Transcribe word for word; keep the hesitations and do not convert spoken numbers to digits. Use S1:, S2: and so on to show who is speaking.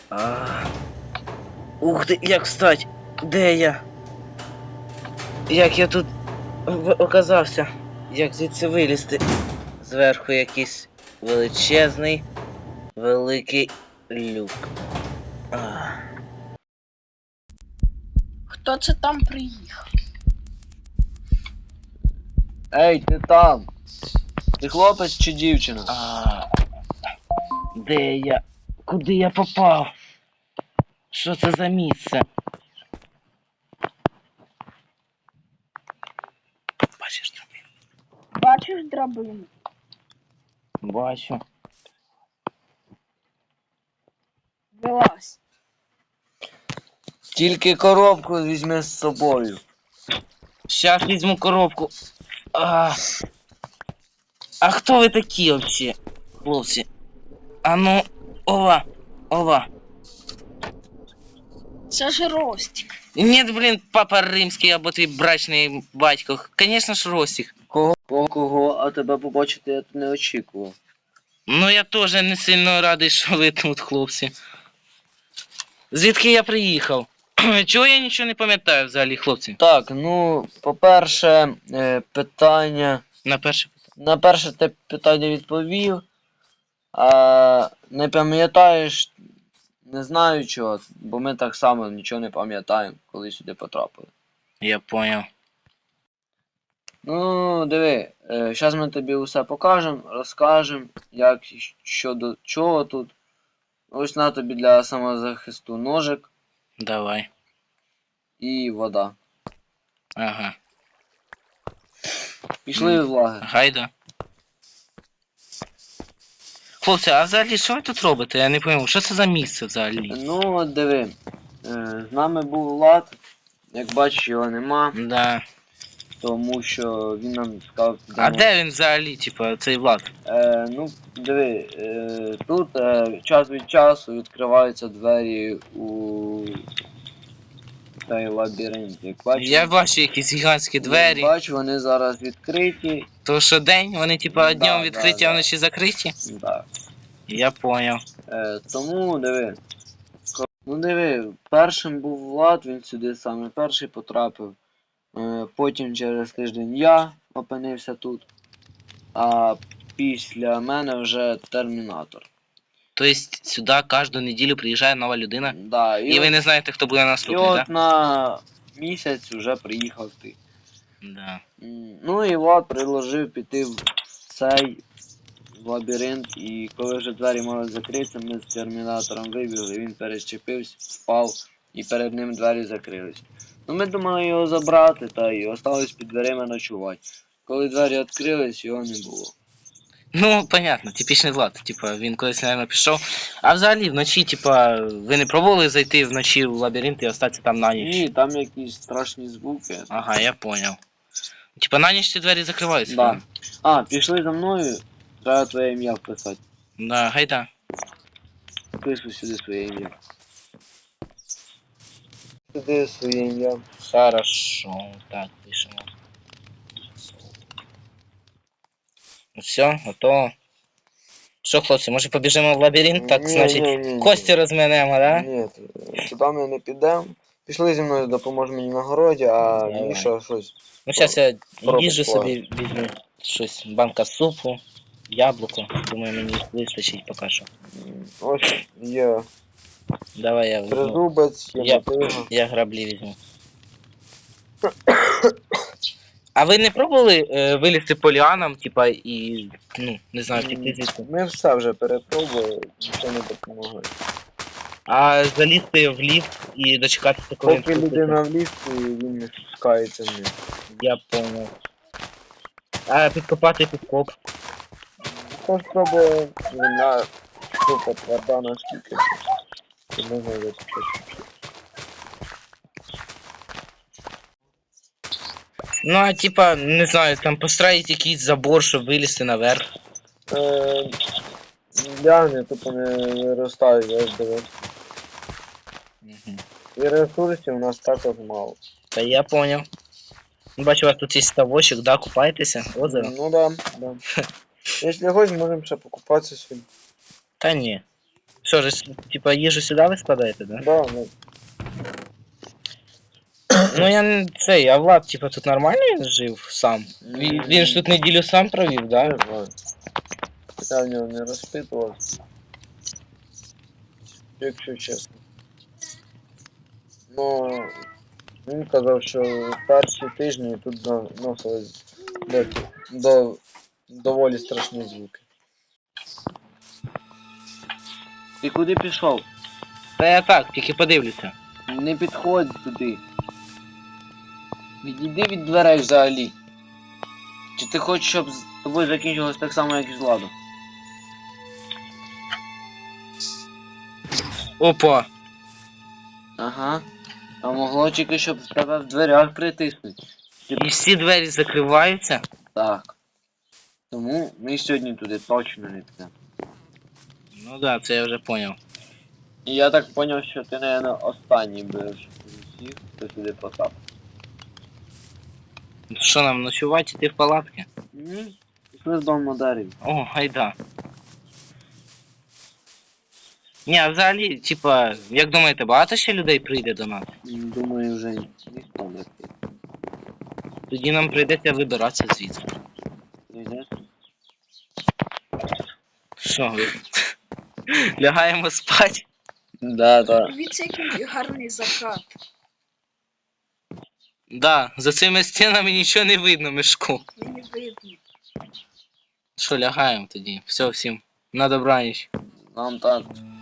S1: А... Ух ти, як встать? Де я? Як я тут оказався? Як звідси вилізти? Зверху якийсь величезний, великий люк. А...
S2: Хто це там приїхав?
S3: Ей, ти там! Ти хлопець чи дівчина?
S1: А... Де я? Куди я попав? Що це за місце? Бачиш драбину?
S2: Бачиш драбину?
S1: Бачу.
S2: Вилазь.
S3: Тільки коробку візьми з собою.
S1: Щас візьму коробку. А, а хто ви такі вообще, хлопці? А ну, ова, ова.
S2: Це ж Ростик.
S1: Нет, блін, папа римський або твій брачний батько. Конечно ж, Ростик.
S3: Кого? Кого? А тебе побачити я тут не очікував.
S1: Ну я теж не сильно радий, що ви тут, хлопці. Звідки я приїхав? Чого я нічого не пам'ятаю взагалі, хлопці?
S3: Так, ну, по-перше, е, питання...
S1: На перше питання.
S3: На перше ти питання відповів. А не пам'ятаєш, не знаю чого, бо ми так само нічого не пам'ятаємо, коли сюди потрапили.
S1: Я понял.
S3: Ну, диви, зараз ми тобі усе покажемо, розкажемо, як, що до чого тут. Ось на тобі для самозахисту ножик
S1: Давай.
S3: і вода.
S1: Ага.
S3: Пішли в лагер.
S1: Гайда. Хлопці, а взагалі що ви тут робите? Я не пойму, що це за місце взагалі?
S3: Ну, от диви, е, з нами був Влад, як бачиш, його нема,
S1: Да.
S3: тому що він нам сказав...
S1: А де він взагалі, типа, цей Влад?
S3: Е, ну, диви, е, тут е, час від часу відкриваються двері у цей лабіринт. Як бачиш,
S1: Я бачу якісь гігантські двері.
S3: Як бачу, вони зараз відкриті.
S1: То що день? Вони типа
S3: Да,
S1: днем
S3: да,
S1: відкриті,
S3: да.
S1: а вночі закриті?
S3: Да.
S1: Я понял.
S3: Е, тому диви. ко- Ну диви, першим був Влад, він сюди саме перший потрапив. Е, потім через тиждень я опинився тут. А після мене вже Термінатор.
S1: Тобто сюди кожну неділю приїжджає нова людина.
S3: Да,
S1: І ви
S3: от-
S1: не знаєте, хто буде
S3: І
S1: наступний,
S3: от
S1: так?
S3: на місяць вже приїхав ти.
S1: Да?
S3: М, Ну і Влад предложив піти в цей лабіринт, і коли вже двері мали закритися, ми з термінатором вибігли, він перещепився, впав, і перед ним двері закрились. Ну ми думали його забрати, та й осталось під дверима ночувати. Коли двері відкрились, його не було.
S1: Ну, понятно, типічний Влад. Типа, він колись, мабуть, пішов. А взагалі вночі, типа, ви не пробували зайти вночі в лабіринт і остатися там на ніч?
S3: Ні, там якісь страшні звуки.
S1: Ага, я понял. Типа на ніч ці двері закриваються?
S3: Да. А, пішли за мною, треба твоє ім'я вписати.
S1: Да, гайда.
S3: Пишу сюди своє ім'я. Сюди своє ім'я.
S1: Хорошо, так, пишемо. Ну все, готово. Що, хлопці, може побіжимо в лабіринт? Так,
S3: Ні,
S1: значить,
S3: ні, ні, ні.
S1: кості розминемо, да?
S3: Ні, туди ми не підемо. Пішли зі мною, допоможе мені на городі, а
S1: Давай.
S3: Міша щось.
S1: Ну, зараз я
S3: Пробуй,
S1: їжу
S3: пробуй.
S1: собі візьму щось, банка супу, яблуко. Думаю, мені вистачить поки що.
S3: м, Ось є
S1: Давай я візьму.
S3: тризубець, є
S1: Я-
S3: мотига.
S1: Я граблі візьму. А ви не пробували е, вилізти по ліанам, типа, і, ну, не знаю, втекти звідси?
S3: Ми все вже перепробували, нічого не допомогло.
S1: А залізти в ліфт і дочекатися, коли він
S3: Поки
S1: спуститься?
S3: людина в ліфті, він не спускається вниз.
S1: Я понял. А підкопати підкоп.
S3: Хто спробує, вона супер тверда наскільки. І можна зачепити.
S1: Ну, а типа, не знаю, там построїть якийсь забор, щоб вилізти наверх.
S3: Е, Ляни тупо не виростають, я ж дивився.
S1: Угу.
S3: І ресурсів у нас також мало.
S1: Та я понял. Ну, бачу, у вас тут є ставочок, да, купаєтеся? Озеро?
S3: Ну да, да. Якщо хочеш, можемо ще покупатися сьогодні.
S1: Та ні. Що ж, типа їжу сюди ви складаєте, да?
S3: Да, ну,
S1: Ну я не цей, а Влад, типа, тут нормально він жив сам? Він, він ж тут неділю сам провів, да?
S3: не знаю. Я в нього не розпитував. Якщо чесно. Ну, він казав, що перші тижні тут доносили до, до доволі страшні звуки. Ти куди пішов?
S1: Та я так, тільки подивлюся.
S3: Не підходь туди. Відійди від дверей взагалі. Чи ти хочеш, щоб з тобою закінчилось так само, як і з Владом?
S1: Опа.
S3: Ага. А могло тільки, щоб в тебе в дверях притиснуть.
S1: І всі двері закриваються.
S3: Так. Тому ми сьогодні туди точно не підемо.
S1: Ну да, це я вже поняв.
S3: І я так зрозумів, що ти, мабуть, останній будеш з усіх, хто сюди потрапив.
S1: Що нам ночувати іти в палатки?
S3: Ні. Пішли з дому на дереві.
S1: О, гайда. Ні, а взагалі, типа, як думаєте, багато ще людей прийде до нас?
S3: Думаю, вже ніхто не прийде.
S1: Тоді нам прийдеться вибиратися звідси.
S3: Прийдеш?
S1: Що ви? Лягаємо спать?
S3: Да, да.
S2: Дивіться, який гарний закат.
S1: Да, за цими стінами нічого не видно, мішку.
S2: Мені видно.
S1: Що, лягаємо тоді? Все, всім. На добраніч.
S3: Нам так.